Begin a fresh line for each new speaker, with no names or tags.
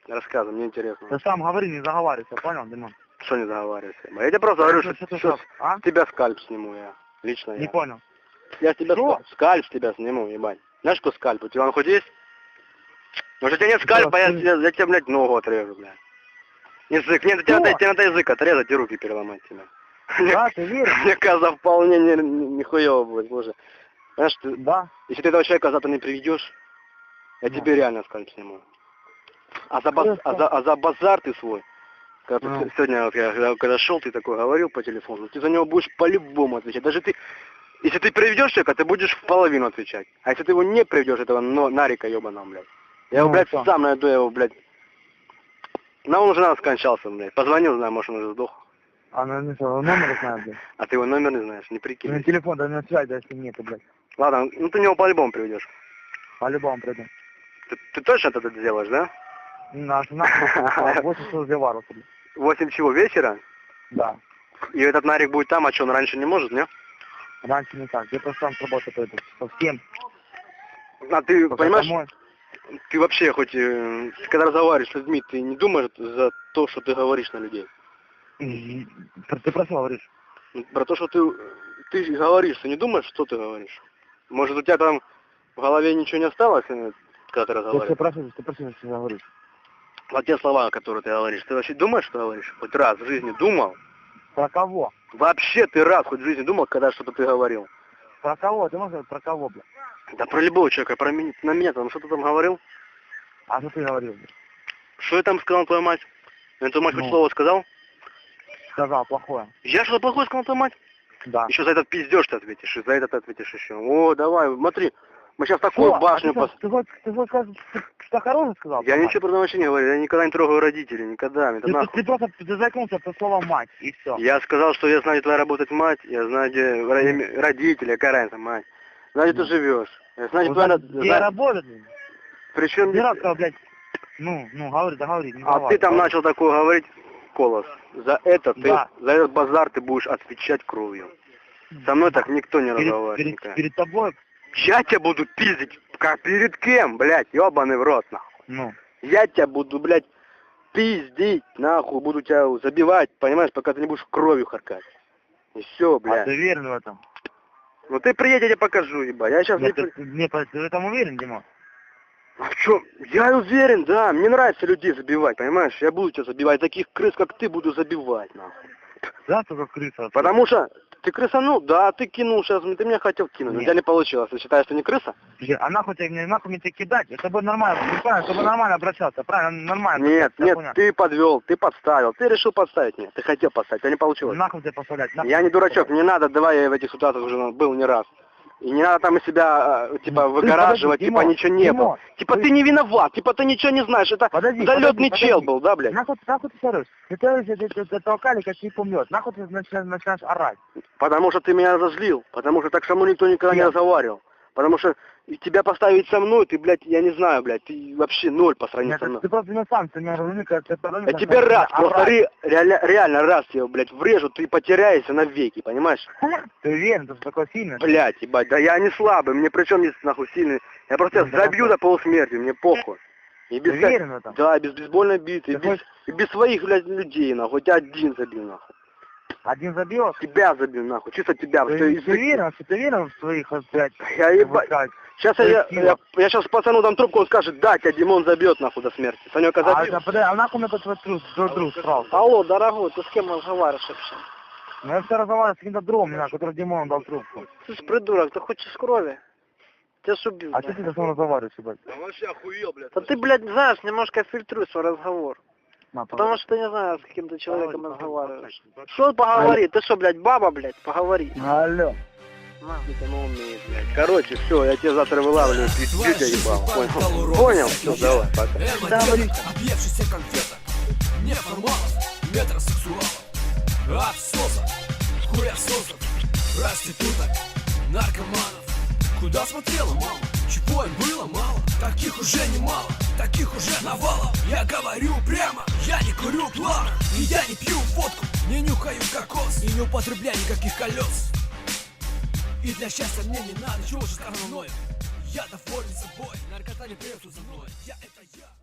Рассказывай, мне интересно.
Ты сам говори, не заговаривайся, понял, Димон?
Что не заговаривайся? Я тебе просто говорю, что с тебя скальп сниму я. Лично
Не
я.
понял.
Я с тебя скальп с тебя сниму, ебать. Знаешь, что скальп? У тебя он хоть есть? Может, у тебя нет скальпа, я тебе, блядь, ногу отрежу, блядь. Язык, нет, тебе надо язык отрезать и руки переломать тебе.
Да, ты веришь?
Мне кажется, вполне нихуево будет, боже. Знаешь, ты,
да.
Если ты этого человека завтра не приведешь, я тебе реально скальп сниму. А за базар ты свой, когда ты, сегодня, вот, когда шел, ты такой говорил по телефону, ты за него будешь по-любому отвечать. Даже ты, если ты приведешь человека, ты будешь в половину отвечать. А если ты его не приведешь, этого нарика ебаного, блядь. Я его, блядь, сам найду, я его, блядь. Он уже нас скончался, блядь. Позвонил, знаю, может, он уже сдох.
А ну что, номер знаю, блядь.
А ты его номер не знаешь, не прикинь.
На телефон, да на связь, даже нет, блядь.
Ладно, ну ты него по-любому приведешь.
По-любому приду.
Ты точно это сделаешь, да?
Нахуй, 8 часов заварился, блядь.
8 чего, вечера?
Да.
И этот нарик будет там, а что, он раньше не может, не?
Раньше не так, я просто сам с работы пойду, совсем.
А ты, понимаешь,
домой.
Ты вообще хоть, когда разговариваешь с людьми, ты не думаешь за то, что ты говоришь на людей?
Ты про что говоришь?
Про то, что ты говоришь, ты не думаешь, что ты говоришь? Может, у тебя там в голове ничего не осталось, когда ты разговариваешь?
Ты про что говоришь?
А те слова, которые ты говоришь, ты вообще думаешь, что говоришь? Хоть раз в жизни думал?
Про кого?
Вообще ты раз хоть в жизни думал, когда что-то ты говорил?
Про кого? Ты можешь сказать, про кого, блядь?
Да про любого человека, про меня, на меня там, что ты там говорил?
А что ты говорил, блядь?
Что я там сказал, твоя мать? Я твою мать хоть слово сказал?
Сказал, плохое.
Я что-то плохое сказал, твоя мать?
Да.
Еще за этот пиздеж ты ответишь, и за этот ответишь еще. О, давай, смотри, мы сейчас такую башню...
Ты хочешь сказать, что хорошее сказал?
Я ничего про вообще не говорю, я никогда не трогаю родителей, никогда.
Ты просто заикнулся про слово мать, и все.
Я сказал, что я знаю, где твоя работает мать, я знаю, где родители, какая разница, мать. Знаю, где ты живешь. Я знаю, где твоя...
Где работает?
Причем...
Не раз сказал, блядь, говори, договори.
А ты там начал такое говорить, Колос. За это за этот базар ты будешь отвечать кровью. Со мной так никто не разговаривает.
Перед тобой?
Я тебя буду пиздить, как перед кем, блядь, ебаный в рот, нахуй. Я тебя буду, блядь, пиздить, нахуй, буду тебя забивать, понимаешь, пока ты не будешь кровью харкать. И все, блядь.
А ты уверен в этом?
Ну ты приедь, я тебе покажу, ебать. Я сейчас
ты в этом уверен, Дима?
А что? Я уверен, да. Мне нравится людей забивать, понимаешь? Я буду тебя забивать. Таких крыс, как ты, буду забивать, нахуй.
Да, только крыса.
Потому что ты крысанул, да, ты кинул сейчас, ты меня хотел кинуть, но у тебя не получилось. Ты считаешь, что не крыса?
А нахуй мне тебя кидать? Это будет нормально, правильно, чтобы нормально обращаться, правильно, нормально.
Нет, ты подвел, ты подставил, ты решил подставить меня, ты хотел подставить, а не получилось.
Нахуй тебе подставлять?
Я не дурачок, не надо, давай я в этих ситуациях уже был не раз. И не надо там из себя, типа, выгораживать, типа, ничего не было. Типа, ты не виноват, типа, ты ничего не знаешь, это залетный чел был, да, блядь?
Нахуй ты сорешь? Ты толкали, как не помнет. Нахуй ты начинаешь орать?
Потому что ты меня разозлил, потому что так со мной никто никогда не разговаривал. Потому что тебя поставить со мной, ты, блядь, я не знаю, блядь, ты вообще ноль по сравнению со мной.
Ты просто не сам, ты меня разумеешь,
я тебе раз, просто реально раз я, блядь, врежу, ты потеряешься навеки, понимаешь?
Ты уверен, ты такой сильный?
Блядь, ебать, да я не слабый, мне причем здесь нахуй сильный. Я просто тебя забью до полусмерти, мне похуй. И без,
ты уверен в этом?
Да, без бейсбольной биты, и без своих, блядь, людей, нахуй, тебя один забил, нахуй.
Один забил?
Тебя забил, нахуй, чисто тебя.
Ты уверен в своих, блядь?
Я ебать. Сейчас я сейчас пацану дам трубку, он скажет, да, тебя Димон забьет, нахуй, до смерти. Санёка забил.
А нахуй мне этот друг срал?
Алло, дорогой, ты с кем разговариваешь вообще?
Ну я все разговариваю с каким-то другом, который Димон дал трубку.
Ты ж придурок, ты хочешь крови? Тебя ж убил.
А что ты со мной разговариваешь, ебать?
Да вообще охуел, блядь. Да ты, блядь, знаешь, немножко фильтруй свой разговор. Потому что ты не знаю, с каким-то человеком разговариваешь. Что поговори? Ты что, блядь, баба, блядь, поговори.
Алло.
Короче, все, я тебя завтра вылавливаю, пиздю тебя ебал. Понял? Все, давай, пока.
Объевшийся конфета, неформалов, метросексуалов, абсосов, хуесосов, проституток, наркоманов. Куда смотрела мама? Чего им было мало? Таких уже немало, таких уже навалом. Я говорю прямо, я не курю плавно, и я не пью водку, не нюхаю кокос, и не употребляю никаких колес. И для счастья мне не надо, чего же сказано мною. Я доволен собой, наркота не прется за мной, я это я.